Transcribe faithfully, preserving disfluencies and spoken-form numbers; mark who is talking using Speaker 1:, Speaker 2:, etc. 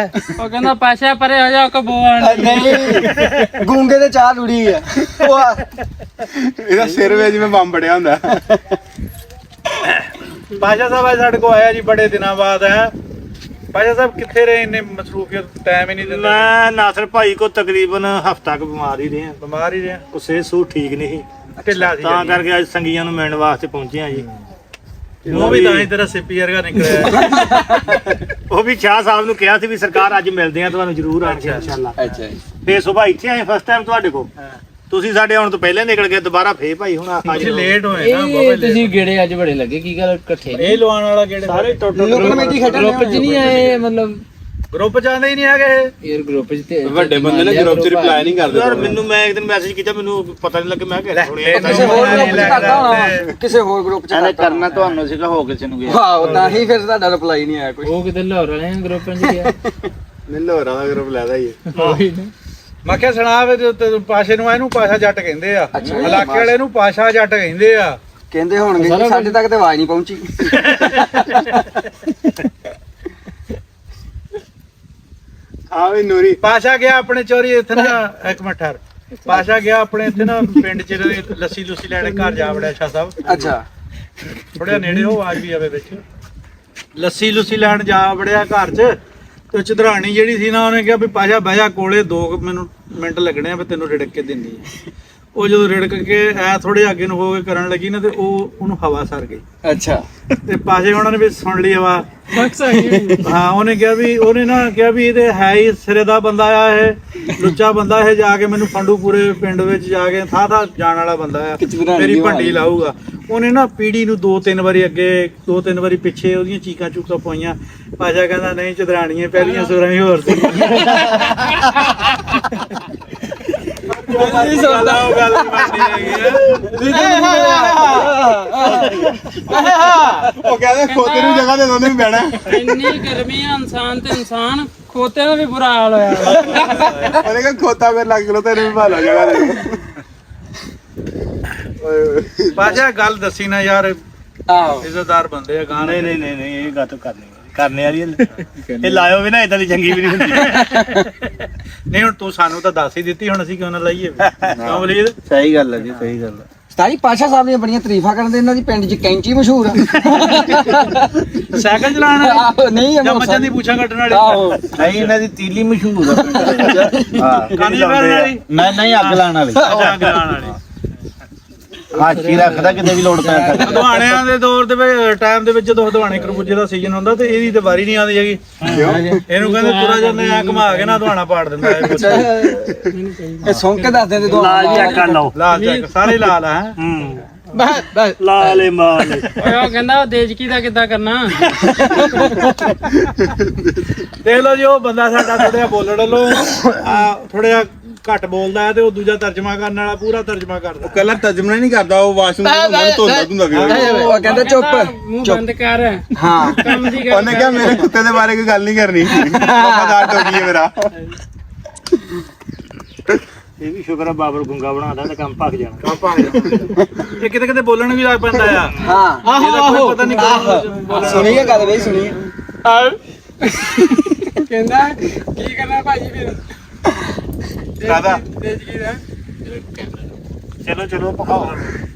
Speaker 1: ਉਹ ਕਹਿੰਦਾ ਪਾਸ਼ਾ ਪਰੇ ਹੋ ਜਾ ਕਬੂਣ
Speaker 2: ਨਹੀਂ ਗੂੰਗੇ ਤੇ ਚਾਹ ਲੁੜੀ ਆ
Speaker 3: ਇਹਦਾ ਸਿਰ ਵਿੱਚ ਜਿਵੇਂ ਬੰਬ ਬੜਿਆ ਹੁੰਦਾ।
Speaker 4: ਪਾਸ਼ਾ ਸਾਹਿਬ ਸਾਡੇ ਕੋਲ ਆਇਆ ਜੀ ਬੜੇ ਦਿਨਾਂ ਬਾਅਦ ਹੈ। ਪਾਸ਼ਾ ਸਾਹਿਬ ਕਿੱਥੇ ਰਹੇ, ਇੰਨੇ ਮਸਰੂਫੀਅਤ ਟਾਈਮ ਹੀ ਨਹੀਂ ਦਿੰਦੇ।
Speaker 5: ਮੈਂ ਨਾਸਰ ਭਾਈ ਕੋ ਤਕਰੀਬਨ ਹਫਤਾ ਕੁ ਬਿਮਾਰ ਹੀ ਰਿਹਾ,
Speaker 4: ਬਿਮਾਰ ਹੀ ਰਿਹਾ,
Speaker 5: ਕੋ ਸਿਹਤ ਸੂਹ ਠੀਕ ਨਹੀਂ ਸੀ,
Speaker 4: ਢਿੱਲਾ ਸੀ
Speaker 5: ਤਾਂ ਕਰਕੇ ਅੱਜ ਸੰਗੀਆਂ ਨੂੰ ਮਿਲਣ ਵਾਸਤੇ ਪਹੁੰਚੇ ਆ ਜੀ।
Speaker 4: ਉਹ ਵੀ ਤਾਂ ਹੀ ਤੇਰਾ ਸਿੱਪੀ ਵਰਗਾ ਨਿਕਲਿਆ।
Speaker 5: ਉਹ ਵੀ ਸ਼ਾਹ ਸਾਹਿਬ ਨੂੰ ਕਿਹਾ ਸੀ ਵੀ ਸਰਕਾਰ ਅੱਜ ਮਿਲਦੇ ਆ ਤੁਹਾਨੂੰ ਜ਼ਰੂਰ ਆਣ ਕੇ ਇਨਸ਼ਾਅੱਲਾ।
Speaker 2: ਅੱਛਾ ਜੀ
Speaker 5: ਫੇਰ ਸੁਬਾਹ ਇੱਥੇ ਆਏ ਫਸਟ ਟਾਈਮ ਤੁਹਾਡੇ ਕੋਲ, ਤੁਸੀਂ ਸਾਡੇ ਆਉਣ ਤੋਂ ਪਹਿਲੇ ਨਿਕਲ ਗਏ, ਦੁਬਾਰਾ ਫੇਰ ਭਾਈ ਹੁਣ ਅੱਜ
Speaker 4: ਤੁਸੀਂ ਲੇਟ ਹੋਏ ਨਾ
Speaker 1: ਇਹ
Speaker 4: ਬਹੁਤ
Speaker 1: ਤੁਸੀਂ ਗੇੜੇ ਅੱਜ ਬੜੇ ਲੱਗੇ, ਕੀ ਗੱਲ ਇਕੱਠੇ
Speaker 4: ਇਹ ਲਵਾਉਣ ਵਾਲਾ ਕਿਹੜੇ
Speaker 5: ਸਾਰੇ ਟੁੱਟ
Speaker 2: ਲੋਕ ਕਮੇਟੀ ਖੇਡਣ
Speaker 1: ਗਰੁੱਪ 'ਚ ਨਹੀਂ ਆਏ, ਮਤਲਬ
Speaker 4: ਗਰੁੱਪ ਚ ਆਉਂਦੇ ਹੀ ਨਹੀਂ ਹੈਗੇ।
Speaker 1: ਯਾਰ ਗਰੁੱਪ 'ਚ ਤੇ
Speaker 3: ਵੱਡੇ ਬੰਦੇ ਨੇ ਗਰੁੱਪ 'ਚ ਰਿਪਲਾਈ ਨਹੀਂ ਕਰਦੇ।
Speaker 5: ਯਾਰ ਮੈਨੂੰ ਮੈਂ ਇੱਕ ਦਿਨ ਮੈਸੇਜ ਕੀਤਾ, ਮੈਨੂੰ ਪਤਾ ਨਹੀਂ ਲੱਗਿਆ, ਮੈਂ ਕਿਹਾ ਸੁਣਿਆ
Speaker 2: ਕਿਸੇ ਹੋਰ ਗਰੁੱਪ ਚ ਕਰਦਾ ਹੋਣਾ, ਕਿਸੇ ਹੋਰ ਗਰੁੱਪ ਚ ਕਰਦਾ
Speaker 6: ਕਰਨਾ ਤੁਹਾਨੂੰ ਸੀਗਾ, ਹੋ ਕਿਸੇ ਨੂੰ ਗਿਆ।
Speaker 2: ਵਾਹ ਤਾਂ ਹੀ ਫਿਰ ਤੁਹਾਡਾ ਰਿਪਲਾਈ ਨਹੀਂ ਆਇਆ ਕੋਈ।
Speaker 1: ਉਹ ਕਿਤੇ ਲਾਹੌਰ ਵਾਲੇ ਗਰੁੱਪ 'ਚ ਗਿਆ।
Speaker 3: ਨਿਲੋਰਾ ਦਾ ਗਰੁੱਪ ਲੈਦਾ ਹੀ
Speaker 4: ਮੈਂ ਕਿਹਾ ਸੁਣਾ ਵੇ ਤੇ ਪਾਸ਼ੇ ਨੂੰ, ਇਹਨੂੰ ਪਾਸ਼ਾ ਜੱਟ ਕਹਿੰਦੇ ਆ,
Speaker 2: ਅੱਛਾ।
Speaker 4: ਇਲਾਕੇ ਵਾਲੇ ਨੂੰ ਪਾਸ਼ਾ ਜੱਟ ਕਹਿੰਦੇ ਆ।
Speaker 2: ਕਹਿੰਦੇ ਹੋਣਗੇ ਜੀ, ਸਾਡੇ ਤੱਕ ਤੇ ਆਵਾਜ਼ ਨਹੀਂ ਪਹੁੰਚੀ।
Speaker 3: ਹਾਂ ਵੀ ਨੂਰੀ
Speaker 4: ਪਾਸ਼ਾ ਗਿਆ ਆਪਣੇ ਚੋਰੀ ਇੱਥੇ ਨਾ, ਇੱਕ ਮਿੰਟ ਠਹਿਰ, ਪਾਸ਼ਾ ਗਿਆ ਆਪਣੇ ਇੱਥੇ ਨਾ ਪਿੰਡ ਚ ਲੱਸੀ ਲੁੱਸੀ ਲੈਣੇ, ਘਰ ਜਾ ਵੜਿਆ ਸ਼ਾਹ ਸਾਹਿਬ,
Speaker 2: ਅੱਛਾ
Speaker 4: ਥੋੜਾ ਨੇੜੇ ਹੋ, ਆਵਾਜ਼ ਵੀ ਆਵੇ ਵਿੱਚ। ਲੱਸੀ ਲੁੱਸੀ ਲੈਣ ਜਾ ਵੜਿਆ ਘਰ ਚ, ਤੇ ਚਦਰਾਣੀ ਜਿਹੜੀ ਸੀ ਨਾ, ਉਹਨੇ ਕਿਹਾ ਵੀ ਪਾਸ਼ਾ ਬਹਿ ਜਾ ਕੋਲੇ, ਦੋ ਕੁ ਮੈਨੂੰ ਮਿੰਟ ਲੱਗਣੇ ਆ, ਵੀ ਤੈਨੂੰ ਰਿੜਕ ਕੇ ਦਿੰਨੀ ਆ। ਉਹ ਜਦੋਂ ਰਿੜਕ ਕੇ ਐ ਥੋੜੇ ਅੱਗੇ ਨੂੰ ਹੋ ਕੇ ਕਰਨ ਲੱਗੀ ਨਾ, ਤੇ ਉਹ ਉਹਨੂੰ ਹਵਾ ਸਰ ਗਈ।
Speaker 2: ਅੱਛਾ
Speaker 4: ਤੇ ਪਾਸ਼ੇ ਉਹਨਾਂ ਨੇ ਵੀ ਸੁਣ ਲਈ ਹਵਾ। ਹਾਂ ਉਹਨੇ ਕਿਹਾ ਵੀ, ਉਹਨੇ ਨਾ ਕਿਹਾ ਵੀ ਇਹਦੇ ਹੈ ਹੀ ਸਿਰੇ ਦਾ ਬੰਦਾ ਆ, ਇਹ ਲੁੱਚਾ ਬੰਦਾ, ਇਹ ਜਾ ਕੇ ਮੈਨੂੰ ਫੰਡੂ ਪੂਰੇ ਪਿੰਡ ਵਿੱਚ ਜਾ ਕੇ ਥਾਂ ਥਾਂ ਜਾਣ ਵਾਲਾ ਬੰਦਾ ਆ, ਮੇਰੀ ਭੰਡੀ ਲਾਊਗਾ। ਉਹਨੇ ਨਾ ਪੀੜੀ ਨੂੰ ਦੋ ਤਿੰਨ ਵਾਰੀ ਅੱਗੇ, ਦੋ ਤਿੰਨ ਵਾਰੀ ਪਿੱਛੇ ਉਹਦੀਆਂ ਚੀਕਾਂ ਚੂਕਾਂ ਪਾਈਆਂ। ਪਾਸ਼ਾ ਕਹਿੰਦਾ ਨਹੀਂ ਚਦਰਾਣੀਆਂ ਪਹਿਲੀਆਂ ਸੁਰਾਂ ਹੀ ਹੋਰ ਸੀ। ਉਹ ਗੱਲ ਨਹੀਂ ਬਣਨੀ ਹੈਗੀ ਆ।
Speaker 3: ਉਹ ਕਹਿੰਦਾ ਖੋਤੇ ਨੂੰ ਜਗ੍ਹਾ ਦੇ ਦੋਨੇ ਵੀ ਬਹਿਣਾ।
Speaker 1: ਇੰਨੀ ਗਰਮੀ ਆ, ਇਨਸਾਨ ਤੇ ਇਨਸਾਨ, ਖੋਤੇ ਦਾ ਵੀ ਬੁਰਾ ਹਾਲ ਹੋਇਆ।
Speaker 3: ਉਹਨੇ ਕਿਹਾ ਖੋਤਾ ਮੇਰੇ ਲੱਗ ਲੋ ਤੈਨੂੰ ਵੀ ਭਾਲਾ ਜਗ੍ਹਾ ਦੇ।
Speaker 4: ਪਾਸ਼ਾ ਗੱਲ ਦੱਸੀ ਨਾ ਯਾਰ,
Speaker 2: ਆਹੋ
Speaker 4: ਇੱਜ਼ਤਦਾਰ ਬੰਦੇ ਆ ਗਾਣੇ।
Speaker 5: ਨਹੀਂ ਨਹੀਂ ਨਹੀਂ ਇਹ ਗੱਲ ਕਰਨੀ ਕਰਨੇ ਵਾਲੀ ਇਹ ਲਾਇਓ ਵੀ ਨਾ, ਇਦਾਂ ਦੀ ਚੰਗੀ ਵੀ ਨਹੀਂ ਹੁੰਦੀ।
Speaker 4: ਨਹੀਂ ਹੁਣ ਤੂੰ ਸਾਨੂੰ ਤਾਂ ਦੱਸ ਹੀ ਦਿੱਤੀ, ਹੁਣ ਅਸੀਂ ਕਿਉਂ ਨਾ ਲਾਈਏ? ਕਿਉਂ ਬਲੀਦ?
Speaker 6: ਸਹੀ ਗੱਲ ਹੈ ਜੀ, ਸਹੀ ਗੱਲ ਹੈ।
Speaker 2: ਸਤਾਈ ਪਾਸ਼ਾ ਸਾਹਿਬ ਦੀਆਂ ਬੜੀਆਂ ਤਾਰੀਫਾਂ ਕਰਦੇ, ਇਹਨਾਂ ਦੀ ਪਿੰਡ 'ਚ ਕੈਂਚੀ ਮਸ਼ਹੂਰ ਆ।
Speaker 4: ਸਾਈਕਲ ਚਲਾਉਣ
Speaker 2: ਆਹੋ,
Speaker 4: ਵਾਲੀ
Speaker 2: ਨਹੀਂ
Speaker 4: ਜਾਂ ਮੱਝਾਂ ਦੀ ਪੂਛਾਂ ਕੱਟਣ ਵਾਲੀ?
Speaker 2: ਆਹੋ
Speaker 6: ਨਹੀਂ ਇਹਨਾਂ ਦੀ ਤੀਲੀ ਮਸ਼ਹੂਰ ਆ ਪਿੰਡ ਵਿੱਚ। ਹਾਂ
Speaker 4: ਕੰਨ ਜਵਾਨ ਵਾਲੀ?
Speaker 6: ਨਹੀਂ ਨਹੀਂ ਅੱਗ ਲਾਉਣ ਵਾਲੀ,
Speaker 4: ਅੱਛਾ ਅੱਗ ਲਾਉਣ ਵਾਲੀ।
Speaker 6: ਹਾਸ਼ੀ ਰੱਖਦਾ ਕਿਤੇ ਵੀ ਲੋੜ ਪੈ ਸਕਦੀ।
Speaker 4: ਹਦਵਾਣਿਆਂ ਦੇ ਦੌਰ ਦੇ ਵਿੱਚ, ਟਾਈਮ ਦੇ ਵਿੱਚ ਜਦੋਂ ਹਦਵਾਣੇ ਖਰਬੂਜੇ ਦਾ ਸੀਜ਼ਨ ਹੁੰਦਾ, ਤੇ ਇਹਦੀ ਤੇ ਵਾਰੀ ਨਹੀਂ ਆਉਂਦੀ ਹੈਗੀ। ਇਹਨੂੰ ਕਹਿੰਦੇ ਤੁਰਾ ਜਾਂਦਾ ਐ ਘੁਮਾ ਕੇ ਨਾ ਹਦਵਾਣਾ ਪਾੜ ਦਿੰਦਾ ਇਹ।
Speaker 2: ਇਹ ਸੁਣ ਕੇ ਦੱਸਦੇ ਤੇ ਦੋ
Speaker 5: ਲਾਲ ਚੈੱਕ ਕਰ ਲਓ।
Speaker 4: ਲਾਲ ਚੱਕ ਸਾਰੇ ਲਾਲ ਆ। ਹੈਂ?
Speaker 5: ਹੂੰ
Speaker 2: ਬਸ ਬਸ
Speaker 5: ਲਾਲੇ ਮਾਲੇ।
Speaker 1: ਓਏ ਉਹ ਕਹਿੰਦਾ ਉਹ ਦੇਜਕੀ ਦਾ ਕਿੱਦਾਂ ਕਰਨਾ।
Speaker 4: ਦੇਖ ਲਓ ਜੀ, ਉਹ ਬੰਦਾ ਸਾਡਾ ਥੋੜਾ ਜਿਹਾ ਬੋਲਣ ਲੋ ਥੋੜਾ ਜਿਹਾ ਘੱਟ ਬੋਲਦਾ ਹੈ, ਤੇ ਉਹ ਦੂਜਾ ਤਰਜਮਾ ਕਰਨ ਵਾਲਾ ਪੂਰਾ ਤਰਜਮਾ ਕਰਦਾ।
Speaker 3: ਕੱਲਾ ਤਰਜਮਾ ਨਹੀਂ ਕਰਦਾ, ਉਹ ਵਾਸ਼ਰੂਮ ਤੋਂ ਧੋਂਦਾ ਧੁੰਦਾ ਵੀ।
Speaker 2: ਉਹ ਕਹਿੰਦਾ ਚੁੱਪ
Speaker 1: ਮੂੰਹ ਬੰਦ ਕਰ।
Speaker 2: ਹਾਂ
Speaker 1: ਕੰਮ ਦੀ ਗੱਲ
Speaker 3: ਉਹਨੇ ਕਿਹਾ ਮੇਰੇ ਕੁੱਤੇ ਦੇ ਬਾਰੇ ਕੋਈ ਗੱਲ ਨਹੀਂ ਕਰਨੀ, ਵਫਾਦਾਰ ਹੋ ਗਈ ਹੈ ਮੇਰਾ।
Speaker 5: ਇਹ ਵੀ ਸ਼ੁਕਰ ਆ ਬਾਬਰ ਗੁੰਗਾ ਬਣਾਦਾ ਤੇ ਕੰਮ ਭੱਗ ਜਾਣਾ।
Speaker 4: ਇਹ ਕਿਤੇ ਕਿਤੇ ਬੋਲਣ ਵੀ ਲੱਗ ਪੈਂਦਾ ਆ।
Speaker 2: ਹਾਂ
Speaker 4: ਇਹਦਾ ਕੋਈ ਪਤਾ ਨਹੀਂ ਕਦੋਂ
Speaker 2: ਸੁਣੀਏ ਗੱਲ ਬਈ ਸੁਣੀਏ।
Speaker 1: ਕਹਿੰਦਾ ਕੀ ਕਰਨਾ ਭਾਜੀ ਫਿਰ?
Speaker 3: ਕਾਹਦਾ?
Speaker 1: ਦੇਜਕੀ ਦਾ
Speaker 5: ਚਲੋ ਚਲੋ ਪਕਾਓ।